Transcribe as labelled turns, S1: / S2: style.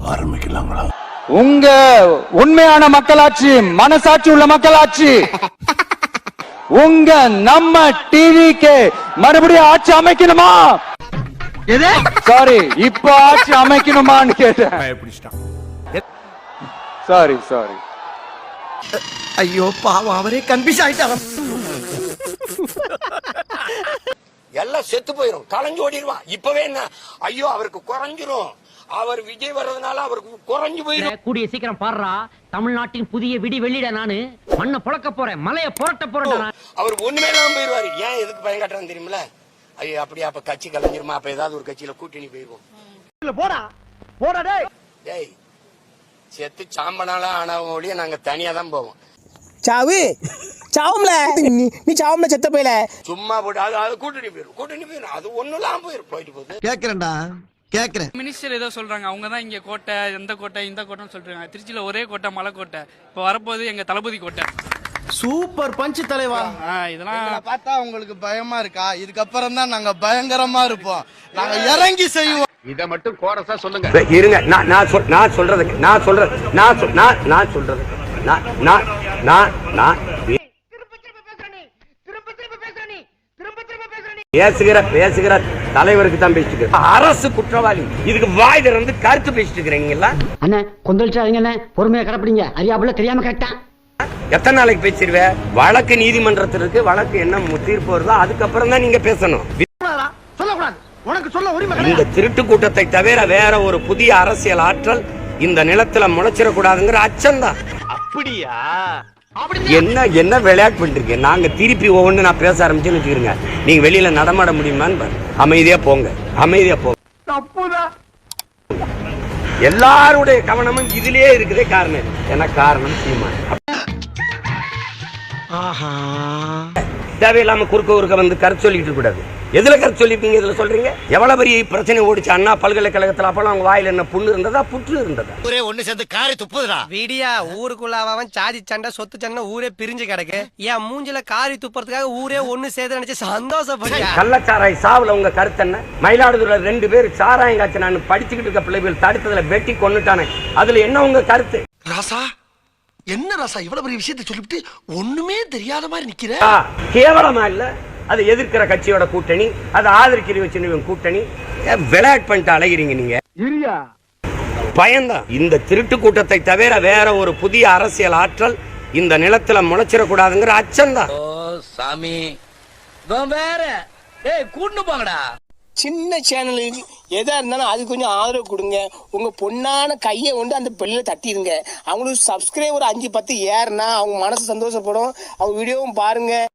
S1: ஆரம்பிக்கலாங்களா?
S2: உங்க உண்மையான மக்களாட்சி, மனசாட்சி உள்ள மக்களாட்சி, உங்க நம்ம டிவிக்கு மறுபடியும் ஆட்சி அமைக்கணுமா? சாரி, இப்ப ஆட்சி அமைக்கணுமான்னு கேட்டேன். Sorry sorry.
S3: ஐயோ பாவம், அவரே கன்ஃபியூஸ் ஆயிட்டாங்க.
S4: எல்லாம் செத்து போயிரும், கலைஞ்சு ஓடிடுவான். இப்பவே என்ன, ஐயோ அவருக்கு குறைஞ்சிரும், அவர் விஜய் வர்றதுனால அவருக்கு குறைஞ்சு போயிடும்.
S5: கூடிய சீக்கிரம் பாடுறா, தமிழ்நாட்டின் புதிய விடி வெள்ளிட நானு மண்ணை புழக்க போறேன், மலையை புரட்ட போறேன்.
S4: அவர் ஒண்ணுமே இல்லாம போயிருவாரு. ஏன் எதுக்கு பயம் காட்டுறான்னு தெரியுமில? ஐயோ அப்படியே அப்ப கட்சி கலைஞ்சிருமா, அப்ப ஏதாவது ஒரு கட்சியில கூட்டணி போயிருவோம்.
S3: போடா போடா
S4: டேய், செத்து சாம்பனால ஆனவங்க ஒழிய நாங்க தனியா தான் போவோம்.
S3: சாவு சாவும்ல, நீ சாவும்ல செத்த போயில.
S4: சும்மா போட்டு அது கூட்டணி போயிரும். அது ஒண்ணுலாம் போயிட்டு போகுது.
S3: கேக்குறேன்டா கேக்குறேன்.
S6: மினிஸ்டர் ஏதோ சொல்றாங்க, அவங்க தான் இங்க கோட்டை, எந்த கோட்டை இந்த கோட்டைன்னு சொல்றாங்க. திருச்சியில ஒரே கோட்டை, மலை கோட்டை. இப்ப வரப்போது எங்க தளபதி கோட்டை.
S3: சூப்பர் பஞ்ச் தலைவா.
S6: இதெல்லாம்
S7: பார்த்தா உங்களுக்கு பயமா இருக்கா? இதுக்கப்புறம் தான் நாங்க பயங்கரமா இருப்போம். நாங்க இறங்கி செய்வோம்.
S1: இத மட்டும் கோரஸா சொல்லுங்க.
S4: இருங்க, நான் சொல்றது பேசுகிற தலைவருக்கு தான் பேசிட்டு, அரசு குற்றவாளி. இதுக்கு வாய் திறந்து கருத்து பேசிட்டு இருக்கிறீங்களா?
S5: அண்ணா கொந்தளிச்சாதீங்க அண்ணா, பொறுமையா கடப்பிடிங்க. அறியாப்புல தெரியாம கரெக்டா.
S4: எத்தனை நாளைக்கு பேசிடுவ? வழக்கு நீதிமன்றத்தில் இருக்கு, வழக்கு என்ன தீர்ப்பு வருதோ அதுக்கப்புறம் தான் நீங்க பேசணும்.
S3: சொல்லக்கூடாது, உனக்கு சொல்ல உரிமை.
S4: இந்த திருட்டு கூட்டத்தை தவிர வேற ஒரு புதிய அரசியல் ஆற்றல் இந்த நிலத்துல முளைச்சிடக்கூடாதுங்கிற அச்சம்தான்.
S1: அப்படியா?
S4: என்ன விளையாட்டு பண்ணிருக்கீங்க? நாங்க திருப்பி ஒவ்வொன்று நான் பேச ஆரம்பிச்சுன்னு வச்சுக்கிறீங்க, நீங்க வெளியில நடமாட முடியுமான்னு அமைதியா போங்க.
S3: தப்புதான்.
S4: எல்லாருடைய கவனமும் இதுலயே இருக்குதே. காரணம் என்ன? காரணம் சீமான். தேவையில்லாம குறுக்க வந்து கருத்து சொல்லிட்டு கூடாது. எதுல கருத்து சொல்லிருக்கீங்க? இதுல சொல்றீங்க. எவ்வளவு பெரிய பிரச்சனை ஓடிச்சு அண்ணா பல்கலைக்கழகத்துல. அப்பெல்லாம் அவங்க வாயில என்ன புண்ணு இருந்ததா, புற்று இருந்ததா?
S7: ஒரே ஒண்ணு சேர்ந்து காரி துப்புதுடா.
S3: வீடியா ஊருக்குள்ள அவன் சாதி சண்டை சொத்து சண்டை ஊரே பிரிஞ்சு கிடக்கு. என் மூஞ்சில காரி துப்புறதுக்காக ஊரே ஒண்ணு சேர்த்து நினைச்சு சந்தோஷப்படியா.
S4: கள்ளச்சாராய் சாவுல உங்க கருத்து என்ன? மயிலாடுதுறையில 2 பேர் சாராயம் காய்ச்சி நான் படிச்சுக்கிட்டு இருக்க பிள்ளைகள் தடுத்ததுல வெட்டி கொன்னுட்டானே, அதுல என்ன உங்க கருத்து?
S7: ராசா, என்ன ராசா இவ்வளவு பெரிய விஷயத்தை சொல்லிட்டு ஒண்ணுமே தெரியாத மாதிரி நிக்கிற?
S4: கேவலமா இல்ல? அது எதிர்க்கிற கட்சியோட கூட்டணி, அது ஆதரிக்கிற வச்சு கூட்டணி. விளையாட்டு பண்ணிட்டு அலைகிறீங்க நீங்க. பயம்தான். இந்த திருட்டு கூட்டத்தை தவிர வேற ஒரு புதிய அரசியல் ஆற்றல் இந்த நிலத்துல முளைச்சிடக்கூடாதுங்கிற அச்சம்தான்.
S1: சாமி வேற கூட்டு போங்கடா.
S3: சின்ன சேனலுக்கு எதா இருந்தாலும் அது கொஞ்சம் ஆதரவு கொடுங்க. உங்க பொண்ணான கையை கொண்டு அந்த பெல்ல தட்டிடுங்க. அவங்களுக்கு சப்ஸ்கிரைபர் 5-10 ஏறுனா அவங்க மனசு சந்தோஷப்படும். அவங்க வீடியோவும் பாருங்க.